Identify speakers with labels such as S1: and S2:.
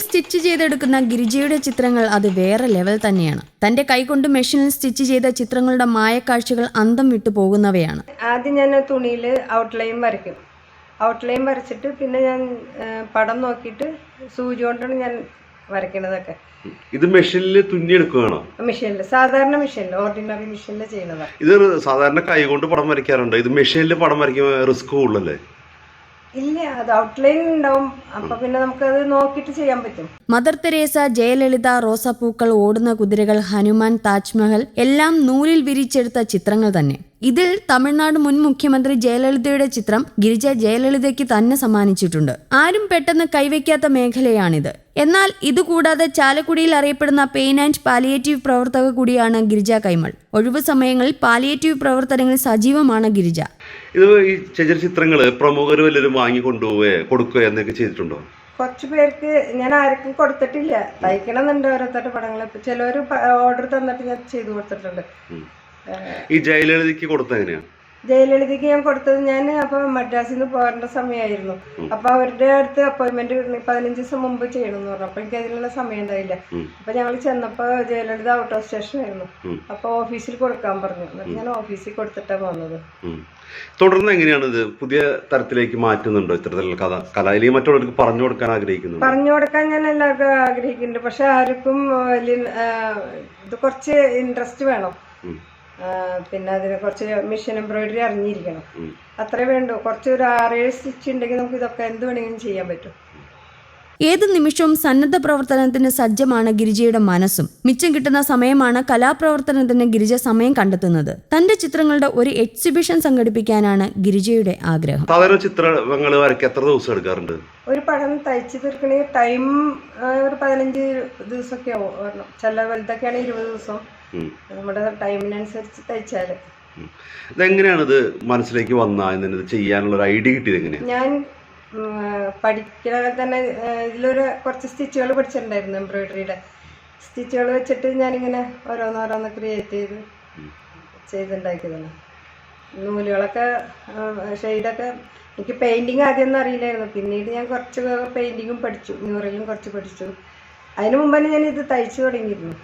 S1: Stitch ചെയ്തെടുക്കുന്ന ഗിരിജയുടെ ചിത്രങ്ങൾ അത് വേറെ ലെവൽ തന്നെയാണ്. തന്റെ കൈകൊണ്ട് മെഷീനിൽ സ്റ്റിച്ച് ചെയ്ത ചിത്രങ്ങളുടെ മായക്കാഴ്ചകൾ അന്തം വിട്ടു പോകുന്നവയാണ്.
S2: ആദ്യം ഞാൻ തുണിയിൽ ഔട്ട്ലൈൻ വരയ്ക്കും. ഔട്ട്ലൈൻ വരച്ചിട്ട് പിന്നെ ഞാൻ പടം നോക്കിയിട്ട് സൂചി കൊണ്ടാണ് ഞാൻ വരയ്ക്കുന്നതൊക്കെ.
S3: ഇത് മെഷീനിൽ തുന്നിയെടുക്കുകയാണോ?
S2: മെഷീനിൽ, സാധാരണ മെഷീനിൽ, ഓർഡിനറി മെഷീനിൽ ചെയ്യുന്നതാണ്.
S3: ഇത് സാധാരണ കൈ കൊണ്ട് പടം വരയ്ക്കാറുണ്ട്. ഇത് മെഷീനിൽ പടം വരയ്ക്കുമ്പോൾ റിസ്ക് കൂടുതലല്ലേ?
S2: ഇല്ല, അത് ഔട്ട്ലൈൻ ഉണ്ടാവും. അപ്പൊ പിന്നെ നമുക്കത് നോക്കിയിട്ട് ചെയ്യാൻ പറ്റും.
S1: മദർ തെരേസ, ജയലളിത, റോസാപ്പൂക്കൾ, ഓടുന്ന കുതിരകൾ, ഹനുമാൻ, താജ്മഹൽ എല്ലാം നൂലിൽ വിരിച്ചെടുത്ത ചിത്രങ്ങൾ തന്നെ. ഇതിൽ തമിഴ്നാട് മുൻ മുഖ്യമന്ത്രി ജയലളിതയുടെ ചിത്രം ഗിരിജ ജയലളിതയ്ക്ക് തന്നെ സമ്മാനിച്ചിട്ടുണ്ട്. ആരും പെട്ടെന്ന് കൈവയ്ക്കാത്ത മേഖലയാണിത്. എന്നാൽ ഇതുകൂടാതെ ചാലക്കുടിയിൽ അറിയപ്പെടുന്ന പെയിൻ ആൻഡ് പാലിയേറ്റീവ് പ്രവർത്തക കൂടിയാണ് ഗിരിജ കൈമൾ. ഒഴിവു സമയങ്ങളിൽ പാലിയേറ്റീവ് പ്രവർത്തനങ്ങളിൽ സജീവമാണ് ഗിരിജ.
S3: ഇത് ഈ ചിത്രങ്ങൾ പ്രമുഖർ വല്ലവരും വാങ്ങി കൊണ്ടുപോവുകയോ കൊടുക്കുകയോ എന്നൊക്കെ ചെയ്തിട്ടുണ്ടോ?
S2: കുറച്ചു പേർക്ക് ഞാൻ ആർക്കും കൊടുത്തിട്ടില്ല. തയ്ക്കണമെന്നുണ്ട് ഓരോരുത്തരുടെ പടങ്ങൾ. ചിലവർ ഓർഡർ തന്നിട്ട് ഞാൻ ചെയ്തു കൊടുത്തിട്ടുണ്ട്.
S3: ഈ ജയലളിതയ്ക്ക് കൊടുത്ത എങ്ങനെയാ?
S2: ജയലളിതയ്ക്ക് ഞാൻ കൊടുത്തത്, ഞാൻ അപ്പൊ മദ്രാസിൽ നിന്ന് പോകേണ്ട സമയമായിരുന്നു. അപ്പൊ അവരുടെ അടുത്ത് അപ്പോയിന്റ്മെന്റ് 15 ദിവസം മുമ്പ് ചെയ്യണമെന്ന് പറഞ്ഞു. അപ്പൊ എനിക്ക് അതിനുള്ള സമയം ഉണ്ടായില്ല. അപ്പൊ ഞങ്ങൾ ചെന്നപ്പോ ജയലളിത ഔട്ട് ഓഫ് സ്റ്റേഷൻ ആയിരുന്നു. അപ്പൊ ഓഫീസിൽ കൊടുക്കാൻ പറഞ്ഞു. എന്നിട്ട് ഞാൻ ഓഫീസിൽ കൊടുത്തിട്ടാണ് വന്നത്.
S3: തുടർന്ന് എങ്ങനെയാണ് ഇത് പുതിയ തരത്തിലേക്ക് മാറ്റുന്നുണ്ടോ ഇത്തരത്തിലുള്ള കല? അല്ലെങ്കിൽ മറ്റുള്ളവർക്ക് പറഞ്ഞു കൊടുക്കാൻ ആഗ്രഹിക്കുന്നു?
S2: പറഞ്ഞു കൊടുക്കാൻ ഞാൻ എല്ലാവർക്കും ആഗ്രഹിക്കുന്നുണ്ട്. പക്ഷെ ആർക്കും വലിയ ഇത് കുറച്ച് ഇൻട്രസ്റ്റ് വേണം. പിന്നെ അതിനെ കുറച്ച് മെഷീൻ എംബ്രോയിഡറി അറിഞ്ഞിരിക്കണം. അത്രേ വേണ്ടു. കുറച്ച് ഒരു 6-7 സ്റ്റിച്ച് ഉണ്ടെങ്കിൽ നമുക്ക് ഇതൊക്കെ എന്ത് വേണമെങ്കിലും ചെയ്യാൻ പറ്റും.
S1: ഏത് നിമിഷവും സന്നദ്ധ പ്രവർത്തനത്തിന് സജ്ജമാണ് ഗിരിജയുടെ മനസ്സും. മിച്ചം കിട്ടുന്ന സമയമാണ് കലാപ്രവർത്തനത്തിന് ഗിരിജ സമയം കണ്ടെത്തുന്നത്. തന്റെ ചിത്രങ്ങളുടെ ഒരു എക്സിബിഷൻ സംഘടിപ്പിക്കാനാണ് ഗിരിജയുടെ ആഗ്രഹം.
S3: സാധാരണ ചിത്രങ്ങൾ വരയ്ക്കാൻ എത്ര ദിവസം എടുക്കാറുണ്ട്?
S2: ഒരു പടം തയ്ച്ചു തീർക്കണമെങ്കിൽ ടൈം ഒരു 15 ദിവസമൊക്കെ ആവും. ചില വലുതൊക്കെയാണ് 20 ദിവസം. നമ്മുടെ ടൈമിനനുസരിച്ച് തയ്ച്ചാല്.
S3: ഇതെങ്ങനെയാണിത് മനസ്സിലേക്ക് വന്നത് ചെയ്യാനുള്ള ഒരു ഐഡിയ കിട്ടിയത് എങ്ങനെയാണ്?
S2: ഞാൻ പഠിക്കണ തന്നെ ഇതിലൊരു കുറച്ച് സ്റ്റിച്ചുകൾ പഠിച്ചിട്ടുണ്ടായിരുന്നു. എംബ്രോയിഡറിയുടെ സ്റ്റിച്ചുകൾ വെച്ചിട്ട് ഞാനിങ്ങനെ ഓരോന്നോരോന്ന് ക്രിയേറ്റ് ചെയ്തുണ്ടാക്കിയതാണ്. നൂലുകളൊക്കെ ഷെയ്ഡൊക്കെ. എനിക്ക് പെയിന്റിങ് ആദ്യമൊന്നും അറിയില്ലായിരുന്നു. പിന്നീട് ഞാൻ കുറച്ച് പെയിന്റിങ്ങും പഠിച്ചു, മ്യൂറലും കുറച്ച് പഠിച്ചു. അതിനു മുമ്പ് തന്നെ ഞാൻ ഇത് തയ്ച്ചു തുടങ്ങിയിരുന്നു.